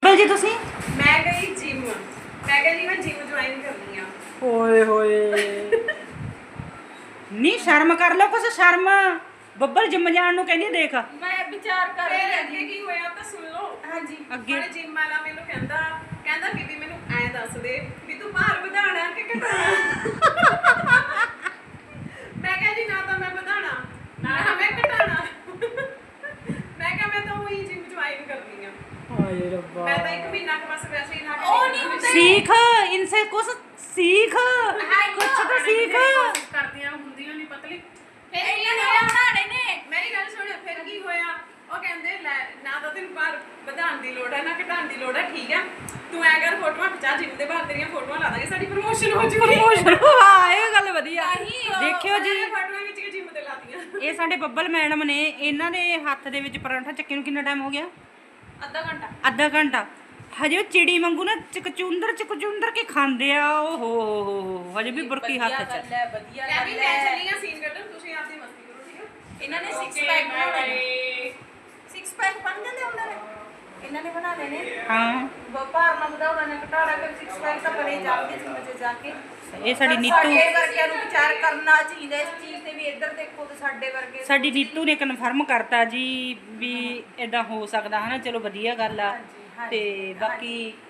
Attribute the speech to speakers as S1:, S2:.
S1: ਬੱਬਲ ਜੀ ਤੁਸੀਂ?
S2: ਮੈਂ ਗਈ ਜਿਮ। ਮੈਂ ਕਿਹਾ ਜੀ ਮੈਂ ਜਿਮ ਜੁਆਇਨ ਕਰਨੀ ਆ।
S1: ਓਏ ਹੋਏ ਨੀ ਸ਼ਰਮ ਕਰ ਲਓ ਕੁਛ ਸ਼ਰਮ। ਬੱਬਲ ਜਿਮ ਜਾਣ ਨੂੰ ਕਹਿੰਦੀ ਦੇਖ।
S2: ਮੈਂ ਵਿਚਾਰ ਕਰ ਰਹੀ ਹਾਂ ਅੱਗੇ ਕੀ ਹੋਇਆ ਤਾਂ ਸੁਣ ਲਓ। ਹਾਂਜੀ
S1: ਅੱਗੇ
S2: ਜਿਮ ਵਾਲਾ ਮੈਨੂੰ ਕਹਿੰਦਾ ਬੀਬੀ ਮੈਨੂੰ ਐ ਦੱਸ ਦੇ ਵੀ ਤੂੰ ਭਾਰ ਵਧਾਉਣਾ ਕਿ ਘਟਾਉਣਾ। ਮੈਂ ਕਿਹਾ ਜੀ ਨਾ ਤਾਂ ਮੈਂ ਵਧਾਉਣਾ ਨਾ ਮੈਂ ਘਟਾਉਣਾ। ਮੈਂ ਕਿਹਾ ਮੈਂ ਤਾਂ ਉਹੀ ਜਿਮ ਜੁਆਇਨ ਕਰਨੀ ਆ।
S1: ਹਾਏ ਰੱਬਾ
S2: मैं तो 1 महीना के बस वैसे ही ना
S1: सीख इनसे कुछ सीख कुछ तो सीख
S2: करदियां ਹੁੰਦੀਆਂ ਨਹੀਂ ਪਤਲੀ ਫਿਰ ਇਹਨਾਂ ਨੇ ਬਣਾਣੇ ਨੇ। ਮੇਰੀ ਗੱਲ ਸੁਣ ਫਿਰ ਕੀ ਹੋਇਆ ਉਹ ਕਹਿੰਦੇ ਲੈ ਨਾ ਤਾਂ ਤੈਨੂੰ ਬਾਹਰ ਵਧਾਉਣ ਦੀ ਲੋੜ ਹੈ ਨਾ ਘਟਾਉਣ ਦੀ ਲੋੜ ਹੈ ਠੀਕ ਹੈ ਤੂੰ ਐ ਕਰ ਫੋਟੋਆਂ ਖਿਚਾ ਜਿਮ ਦੇ ਬਾਹਰ ਤੇਰੀਆਂ ਫੋਟੋਆਂ ਲਾ ਦਾਂਗੇ ਸਾਡੀ ਪ੍ਰਮੋਸ਼ਨ ਹੋ ਜੂਗੀ।
S1: ਹਾਂ ਇਹ ਗੱਲ ਵਧੀਆ ਦੇਖਿਓ ਜੀ
S2: ਫੋਟੋਆਂ ਵਿੱਚ ਜਿਮ ਤੇ ਲਾਤੀਆਂ।
S1: ਇਹ ਸਾਡੇ ਬੱਬਲ ਮੈਡਮ ਨੇ ਇਹਨਾਂ ਦੇ ਹੱਥ ਦੇ ਵਿੱਚ ਪਰੌਂਠਾ ਚੱਕੇ ਨੂੰ ਕਿੰਨਾ ਟਾਈਮ ਹੋ ਗਿਆ? ਅੱਧਾ ਘੰਟਾ ਹਜੇ ਉਹ ਚਿੜੀ ਵਾਂਗੂ ਨਾ ਚਕਚੁੰਦਰ ਕੇ ਖਾਂਦੇ ਆ। ਓਹੋ ਹਜੇ ਵੀ ਬੁਰਕੀ ਹੱਥ 'ਚ।
S2: ਵਧੀਆ ਮੈਂ ਵੀ ਮੈਂ ਚੱਲੀ ਆ ਸੀਨ ਕੱਢਣ ਤੁਸੀਂ ਆਪਦੀ ਮਸਤੀ ਕਰੋ ਠੀਕ ਹੈ। ਇਹਨਾਂ ਨੇ 6 ਪੈਕ ਬਣਾਉਣੇ 6 ਪੈਕ ਬਣ ਜਾਂਦੇ ਉਹਨਾਂ ਨੇ ਇਹਨਾਂ ਨੇ ਬਣਾ ਲੈਣੇ।
S1: ਹਾਂ
S2: ਭਾਰ ਨਾ ਵਧਾਉਣਾ ਨੇ ਘਟਾਉਣਾ ਫਿਰ 6 ਪੈਕ ਤਾਂ ਬਣੇ ਜਾਂਦੇ ਜਿੰਮ 'ਚ ਜਾ ਕੇ।
S1: ਇਹ ਸਾਡੀ ਨੀਤੂ
S2: ਸਾਡੇ ਵਰਗਿਆਂ ਨੂੰ ਵਿਚਾਰ ਕਰਨਾ ਚਾਹੀਦਾ ਇਸ ਚੀਜ਼ ਤੇ ਵੀ ਇੱਧਰ ਦੇਖੋ ਤੇ ਸਾਡੇ ਵਰਗੇ
S1: ਸਾਡੀ ਨੀਤੂ ਨੇ ਕਨਫਰਮ ਕਰਤਾ ਜੀ ਵੀ ਇਦਾਂ ਹੋ ਸਕਦਾ ਹਨਾ। ਚਲੋ ਵਧੀਆ ਗੱਲ ਆ। ਤੇ ਬਾਕੀ